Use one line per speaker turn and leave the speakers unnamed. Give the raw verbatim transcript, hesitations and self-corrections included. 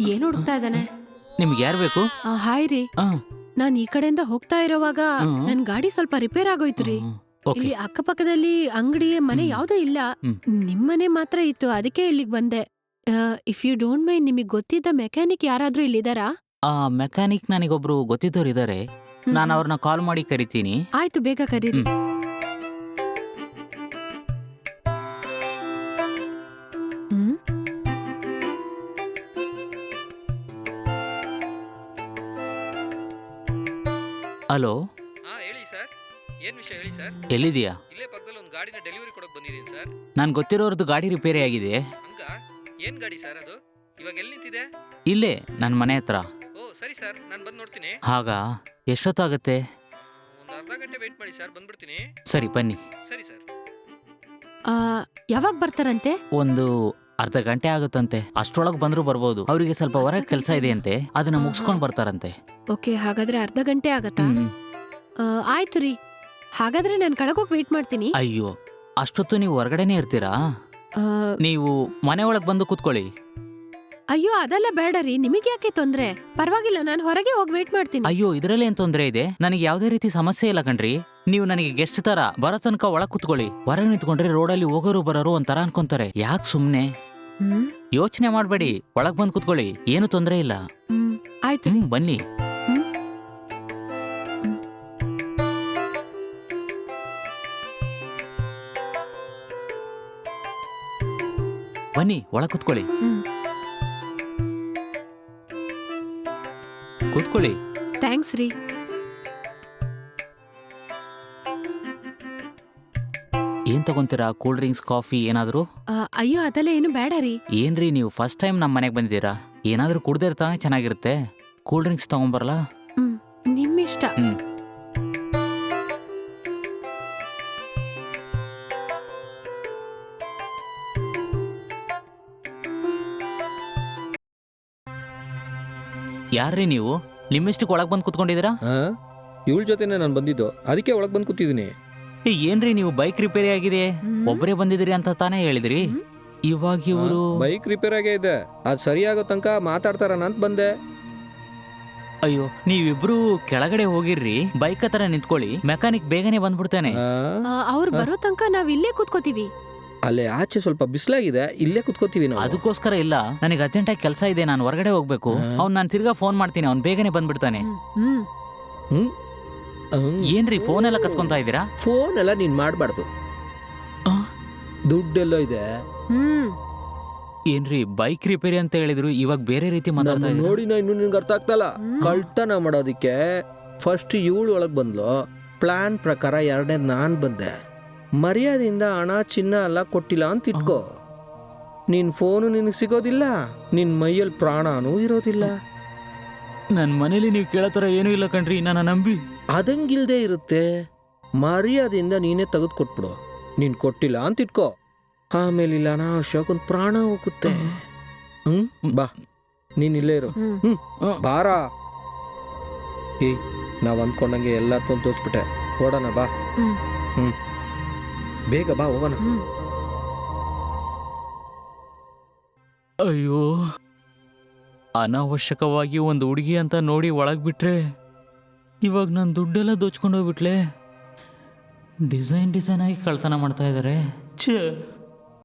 ಏನ್ ಹುಡುಕ್ತಾ ಇದ್ದಾನೆ?
ನಿಮ್ಗೆ ಯಾರು ಬೇಕು?
ಆ, ಹಾಯ್ ರೀ,
ಆ,
ನಾನ್ ಈ ಕಡೆಯಿಂದ ಹೋಗ್ತಾ ಇರೋವಾಗ
ಹ್ಮ್.
ನನ್ ಗಾಡಿ ಸ್ವಲ್ಪ ರಿಪೇರ್ ಆಗೋಯ್ತು ರೀ.
ಹ್ಮ್, ಓಕೆ.
ಇಲ್ಲಿ ಅಕ್ಕಪಕ್ಕದಲ್ಲಿ ಅಂಗಡಿ ಮನೆ
ಹ್ಮ್.
ಯಾವ್ದೂ ಇಲ್ಲ.
ಹ್ಮ್.
ನಿಮ್ಮನೆ ಮಾತ್ರ ಇತ್ತು, ಅದಕ್ಕೆ ಇಲ್ಲಿಗ್ ಬಂದೆ. ಇಫ್ ಯು ಡೋಂಟ್ ಮೈಂಡ್, ನಿಮಗ್ ಗೊತ್ತಿದ್ದ ಮೆಕ್ಯಾನಿಕ್ ಯಾರಾದ್ರೂ ಇಲ್ಲಿದಾರಾ?
ಆ ಮೆಕ್ಯಾನಿಕ್ ನನಗೊಬ್ರು ಗೊತ್ತಿದ್ದವ್ರು ಇದ್ದಾರೆ.
ಹ್ಮ್,
ನಾನು
ಹ್ಮ್.
ಅವ್ರನ್ನ ಕಾಲ್ ಮಾಡಿ ಕರಿತೀನಿ.
ಆಯ್ತು, ಬೇಗ ಕರೀರಿ.
ಹ್ಮ್.
ಹ್ಮ್
ಹಲೋ,
ಹಾ ಹೇಳಿ ಸರ್, ಏನ್ ವಿಷಯ ಹೇಳಿ ಸರ್.
ಎಲ್ಲಿದೀಯಾ?
ಇಲ್ಲೇ ಪಕ್ಕದಲ್ಲಿ ಒಂದು ಗಾಡಿನ ಡೆಲಿವರಿ ಕೊಡಕ್ ಬಂದಿದ್ದೀನಿ ಸರ್.
ನಾನು ಗೊತ್ತಿರೋರ್ದು ಗಾಡಿ ರಿಪೇರಿ ಆಗಿದೆ.
ಹಂಗ ಏನ್ ಗಾಡಿ ಸರ್ ಅದು? ಇವಾಗ ಎಲ್ಲಿ ನಿಂತಿದೆ?
ಇಲ್ಲೇ ನನ್ನ ಮನೆ ಹತ್ರ.
ಓ ಸರಿ ಸರ್, ನಾನು ಬಂದು ನೋಡ್ತೀನಿ.
ಆಗ ಎಷ್ಟೊತ್ತಾಗತ್ತೆ?
ಒಂದು ಅರ್ಧ ಗಂಟೆ ವೆಯ್ಟ್ ಮಾಡಿ ಸರ್, ಬಂದ್ಬಿಡ್ತೀನಿ.
ಸರಿ ಬನ್ನಿ.
ಸರಿ ಸರ್.
ಆ, ಯಾವಾಗ ಬರ್ತಾರಂತೆ?
ಒಂದು ಅರ್ಧ ಗಂಟೆ ಆಗುತ್ತಂತೆ. ಅಷ್ಟ್ರೊಳಗೆ ಬಂದ್ರು ಬರ್ಬೋದು. ಅವರಿಗೆ ಸ್ವಲ್ಪ ಹೊರಗೆ ಕೆಲಸ ಇದೆ ಅಂತೆ, ಅದನ್ನ ಮುಗಿಸ್ಕೊಂಡು ಬರ್ತಾರಂತೆ.
ಓಕೆ, ಹಾಗಾದ್ರೆ ಅರ್ಧ ಗಂಟೆ ಆಗತ್ತಾ?
ಹ್ಮ್.
ಆ, ಆಯ್ತು ರೀ, ಹಾಗಾದ್ರೆ ನಾನು ಕೆಳಗೋಗಿ ವೇಟ್ ಮಾಡ್ತೀನಿ.
ಅಯ್ಯೋ, ಅಷ್ಟೊತ್ತು ನೀವು ಹೊರಗಡೆನೆ ಇರ್ತೀರಾ?
ಆ,
ನೀವು ಮನೆ ಒಳಗೆ ಬಂದು ಕೂತ್ಕೊಳ್ಳಿ.
ಅಯ್ಯೋ, ಅದೆಲ್ಲ ಬೇಡ ರೀ, ನಿಮಗೆ ಯಾಕೆ ತೊಂದ್ರೆ? ಪರವಾಗಿಲ್ಲ, ನಾನು ಹೊರಗೆ ಹೋಗಿ ವೇಟ್ ಮಾಡ್ತೀನಿ.
ಅಯ್ಯೋ, ಇದರಲ್ಲಿ ಏನ್ ತೊಂದರೆ ಇದೆ? ನನಗೆ ಯಾವುದೇ ರೀತಿ ಸಮಸ್ಯೆ ಇಲ್ಲ ಕಣ್ರಿ. ನೀವು ನನಗೆ ಗೆಸ್ಟ್ ತರ ಬರೋ ತನಕ ಒಳಗ್ ಕೂತ್ಕೊಳ್ಳಿ. ಹೊರಗೆ ನಿಂತ್ಕೊಂಡ್ರೆ ರೋಡಲ್ಲಿ ಹೋಗೋರು ಬರೋರು ಒಂಥರ ಅನ್ಕೊಂತಾರೆ. ಯಾಕೆ ಸುಮ್ನೆ
ಹ್ಮ್
ಯೋಚನೆ ಮಾಡ್ಬೇಡಿ, ಒಳಗ್ ಬಂದ್ ಕೂತ್ಕೊಳ್ಳಿ, ಏನು ತೊಂದರೆ ಇಲ್ಲ.
ಹ್ಮ್ ಆಯ್ತು ರೀ.
ಹ್ಮ್ ಬನ್ನಿ.
ಹ್ಮ್.
ಬನ್ನಿ, ಒಳಗ್ ಕೂತ್ಕೊಳ್ಳಿ.
ಹ್ಮ್
ಕೂತ್ಕೊಳ್ಳಿ.
ಥ್ಯಾಂಕ್ಸ್ ರೀ.
ಏನ್ ತಗೊಂತೀರಾ? ಕೂಲ್ ಡ್ರಿಂಕ್ಸ್, ಕಾಫಿ ಏನಾದ್ರು?
ಆ, ಅಯ್ಯೋ, ಅದೆಲ್ಲ ಏನು ಬೇಡ ರೀ.
ಏನ್ರಿ ನೀವು ಫಸ್ಟ್ ಟೈಮ್ ನಮ್ಮ ಮನೆಗೆ ಬಂದಿದ್ದೀರಾ? ಏನಾದ್ರೂ ಕುಡ್ದೇ ಇರ್ತಾನೆ ಚೆನ್ನಾಗಿರುತ್ತೆ. ಕೂಲ್ ಡ್ರಿಂಕ್ಸ್ ತಗೊಂಬರಲ್ಲ?
ಹ್ಮ್ ನಿಮ್ಮಿಷ್ಟ.
ಹ್ಮ್. ಯಾರ್ರೀ ನೀವು? ನಿಮ್ಮಿಷ್ಟಕ್ಕೆ ಒಳಗೆ ಬಂದು ಕೂತ್ಕೊಂಡಿದ್ದೀರಾ?
ಹಾಂ, ಇವಳ ಜೊತೆನೇ ನಾನು ಬಂದಿದ್ದು, ಅದಕ್ಕೆ ಒಳಗೆ ಬಂದು ಕೂತಿದ್ದೀನಿ.
ಏ, ಏನ್ರಿ ನೀವು ಬೈಕ್ ರಿಪೇರಿ ಆಗಿದೆ,
ಹ್ಮ್.
ಒಬ್ಬರೇ ಬಂದಿದ್ದೀರಿ ಅಂತ ತಾನೇ ಹೇಳಿದ್ರಿ.
ಹ್ಮ್.
ಇವಾಗ ಇವರು
ಬೈಕ್ ರಿಪೇರ್ ಆಗೇ ಇದೆ, ಅದು ಸರಿಯಾಗೋ ತನಕ ಮಾತಾಡ್ತಾರ ಅಂತ ಬಂದೆ.
ಅಯ್ಯೋ, ನೀವಿಬ್ರು ಕೆಳಗಡೆ ಹೋಗಿರ್ರಿ, ಬೈಕ್ ಹತ್ರ ನಿಂತ್ಕೊಳ್ಳಿ, ಮೆಕ್ಯಾನಿಕ್ ಬೇಗನೆ ಬಂದ್ಬಿಡ್ತಾನೆ.
ಆ,
ಆ, ಅವ್ರು ಬರೋ ತನಕ ನಾವ್ ಇಲ್ಲೇ ಕೂತ್ಕೋತೀವಿ.
ಅಲ್ಲೇ ಆಚೆ ಸ್ವಲ್ಪ ಬಿಸಿಲಾಗಿದೆ, ಇಲ್ಲೇ ಕುತ್ಕೋತೀವಿ ನಾವು.
ಅದಕ್ಕೋಸ್ಕರ ಇಲ್ಲ, ನನಗೆ ಅರ್ಜೆಂಟಾಗಿ ಕೆಲಸ ಇದೆ, ನಾನು ಹೊರಗಡೆ ಹೋಗ್ಬೇಕು.
ಹಾ.
ಅವ್ನು ನಾನು ತಿರ್ಗಾ ಫೋನ್ ಮಾಡ್ತೀನಿ, ಅವ್ನು ಬೇಗನೆ ಬಂದ್ಬಿಡ್ತಾನೆ.
ಹ್ಮ್ ಹ್ಮ್
ಹ್ಮ್ ಹ್ಮ್.
ಏನ್ರಿ ಫೋನ್ ಎಲ್ಲ ಕಸ್ಕೊಂತಾ ಇದ್ದೀರಾ?
ಫೋನ್ ಎಲ್ಲ ನೀನ್ ಮಾಡಬಾರ್ದು,
ಆ?
ದುಡ್ಡೆಲ್ಲೋ ಇದೆ.
ಹ್ಮ್
ಏನ್ರಿ ಬೈಕ್ ರಿಪೇರಿ ಅಂತ ಹೇಳಿದ್ರು, ಇವಾಗ ಬೇರೆ ರೀತಿ ಮಾತಾಡ್ತಾ
ನಮ್ಮನ್ನ
ಇದ್ದೀರಾ?
ನೋಡಿ ನಾ ಇನ್ನು ನಿನ್ಗೆ ಅರ್ಥ ಆಗ್ತಲ್ಲ.
ಹ್ಮ್.
ಕಳ್ತನ ಮಾಡೋದಿಕ್ಕೆ ಫಸ್ಟ್ ಇವಳು ಒಳಗೆ ಬಂದ್ಲು, ಪ್ಲಾನ್ ಪ್ರಕಾರ ಎರಡನೇ ನಾನ್ ಬಂದೆ. ಮರ್ಯಾದೆಯಿಂದ ಹಣ ಚಿನ್ನ ಎಲ್ಲ ಕೊಟ್ಟಿಲ್ಲ ಅಂತ ಇಟ್ಕೋ. ನಿನ್ ಫೋನು ನಿನಗೆ ಸಿಗೋದಿಲ್ಲ, ನಿನ್ ಮೈಯಲ್ಲಿ ಪ್ರಾಣನೂ ಇರೋದಿಲ್ಲ.
ನನ್ ಮನೇಲಿ ನೀವು ಕೇಳೋ ಥರ ಏನೂ ಇಲ್ಲ ಕಣ್ರಿ, ನನ್ನ ನಂಬಿ.
ಅದಂಗಿಲ್ದೇ ಇರುತ್ತೆ. ಮರ್ಯಾದೆಯಿಂದ ನೀನೇ ತೆಗೆದು ಕೊಟ್ಬಿಡು. ನೀನ್ ಕೊಟ್ಟಿಲ್ಲ ಅಂತ ಇಟ್ಕೋ, ಆಮೇಲೆ ಇಲ್ಲ ನಾ ಅಶೋಕನ್ ಪ್ರಾಣ ಹೋಗುತ್ತೆ. ಹ್ಮ್ ಬಾ, ನೀನ್ ಇಲ್ಲೇ ಇರು.
ಹ್ಮ್
ಹ್ಮ್
ಆ.
ಬಾರ. ಏಯ್, ನಾವ್ ಅಂದ್ಕೊಂಡಂಗೆ ಎಲ್ಲ ತೋರಿಸ್ಬಿಟ್ಟೆ. ಓಡೋಣ ಬಾ.
ಹ್ಮ್
ಹ್ಮ್ ಬೇಗ ಬಾ, ಹೋಗೋಣ.
ಹ್ಮ್
ಅಯ್ಯೋ, ಅನಾವಶ್ಯಕವಾಗಿ ಒಂದು ಹುಡುಗಿ ಅಂತ ನೋಡಿ ಒಳಗ್ ಬಿಟ್ರೆ, ಇವಾಗ ನನ್ನ ದುಡ್ಡೆಲ್ಲ ದೋಚ್ಕೊಂಡು ಹೋಗ್ಬಿಟ್ಲೆ. ಡಿಸೈನ್ ಡಿಸೈನ್ ಆಗಿ ಕಳ್ತನ ಮಾಡ್ತಾ ಇದ್ದಾರೆ. ಛೇ.